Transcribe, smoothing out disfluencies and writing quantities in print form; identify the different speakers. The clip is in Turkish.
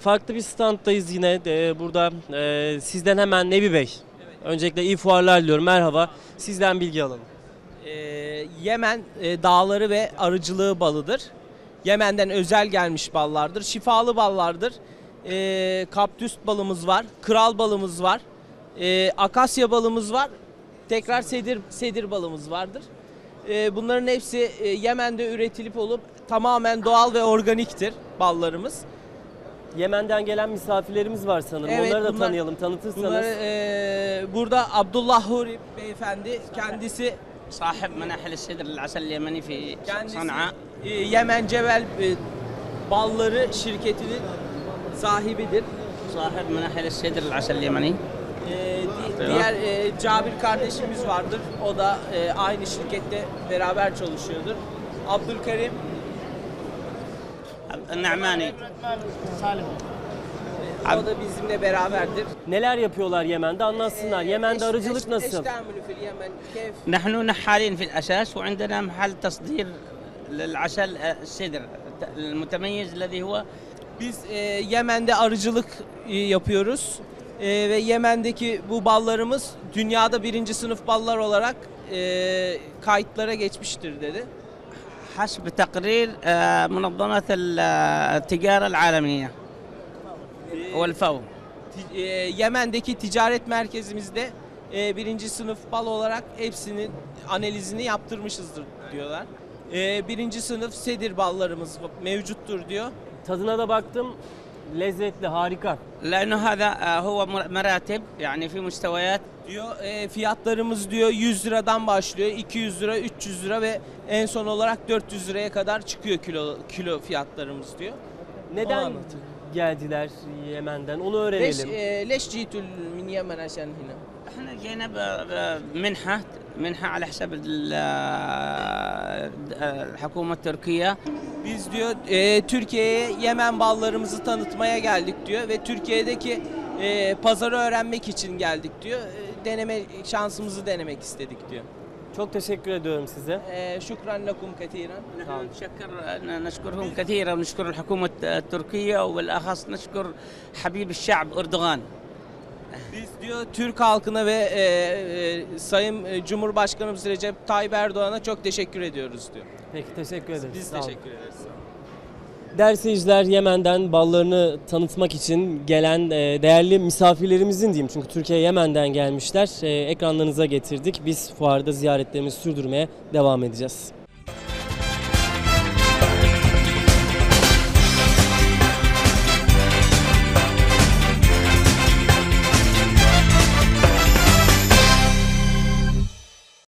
Speaker 1: Farklı bir standdayız yine. Burada sizden hemen Nebi Bey. Öncelikle iyi fuarlar diliyorum. Merhaba. Sizden bilgi alalım.
Speaker 2: Yemen dağları ve arıcılığı balıdır. Yemen'den özel gelmiş ballardır. Şifalı ballardır. Kaptüs balımız var. Kral balımız var. Akasya balımız var. Tekrar sedir balımız vardır. Bunların hepsi Yemen'de üretilip olup tamamen doğal ve organiktir ballarımız.
Speaker 1: Yemen'den gelen misafirlerimiz var sanırım.
Speaker 2: Evet,
Speaker 1: Onları da tanıyalım, tanıtırsanız.
Speaker 2: Burada Abdullah Huri beyefendi kendisi
Speaker 3: صاحب مناحل السدر العسل اليمني في صنعاء.
Speaker 2: Yemen Cebel balları şirketinin sahibidir.
Speaker 3: صاحب مناحل السدر العسل اليمني.
Speaker 2: Diğer Cabir kardeşimiz vardır. O da aynı şirkette beraber çalışıyordur. Abdülkerim
Speaker 3: النعماني.
Speaker 2: o da bizimle beraberdir.
Speaker 1: Neler yapıyorlar Yemen'de anlatsınlar. Yemen'de arıcılık nasıl?
Speaker 3: نحن نحالين في الأساس وعندنا محل تصدير للعسل السدر المتميز الذي هو.
Speaker 2: Biz Yemen'de arıcılık yapıyoruz. Ve Yemen'deki bu ballarımız dünyada birinci sınıf ballar olarak kayıtlara geçmiştir dedi.
Speaker 3: حسب تقرير منظمة التجارة العالمية والFAO.
Speaker 2: Yemen'deki ticaret merkezimizde birinci sınıf bal olarak hepsinin analizini yaptırmışızdır diyorlar. Birinci sınıf sedir ballarımız mevcuttur diyor.
Speaker 1: Tadına da baktım. Lezzetli, harika.
Speaker 3: لأنه هذا هو مراتب يعني في مستويات.
Speaker 2: Diyor fiyatlarımız diyor 100 liradan başlıyor, 200 lira, 300 lira ve en son olarak 400 liraya kadar çıkıyor kilo fiyatlarımız diyor.
Speaker 1: Neden geldiler Yemen'den? Onu öğrenelim.
Speaker 2: ليش جيتوا من يمن عشان هنا؟
Speaker 3: احنا جينا منحة على حساب الحكومة التركية.
Speaker 2: Biz diyor Türkiye'ye Yemen ballarımızı tanıtmaya geldik diyor ve Türkiye'deki pazarı öğrenmek için geldik diyor. Şansımızı denemek istedik diyor.
Speaker 1: Çok teşekkür ediyorum size.
Speaker 2: Şükran lekum ketiren.
Speaker 3: نشكرهم كثيرا ونشكر الحكومة التركية وبالأخص نشكر حبيب الشعب أردوغان.
Speaker 2: Biz diyor Türk halkına ve Sayın Cumhurbaşkanımız Recep Tayyip Erdoğan'a çok teşekkür ediyoruz diyor.
Speaker 1: Peki teşekkür ederiz.
Speaker 2: Biz
Speaker 1: Sağ olun.
Speaker 2: teşekkür ederiz.
Speaker 1: Değerli seyirciler, Yemen'den ballarını tanıtmak için gelen değerli misafirlerimizin diyeyim. Çünkü Türkiye Yemen'den gelmişler. Ekranlarınıza getirdik. Biz fuarda ziyaretlerimizi sürdürmeye devam edeceğiz.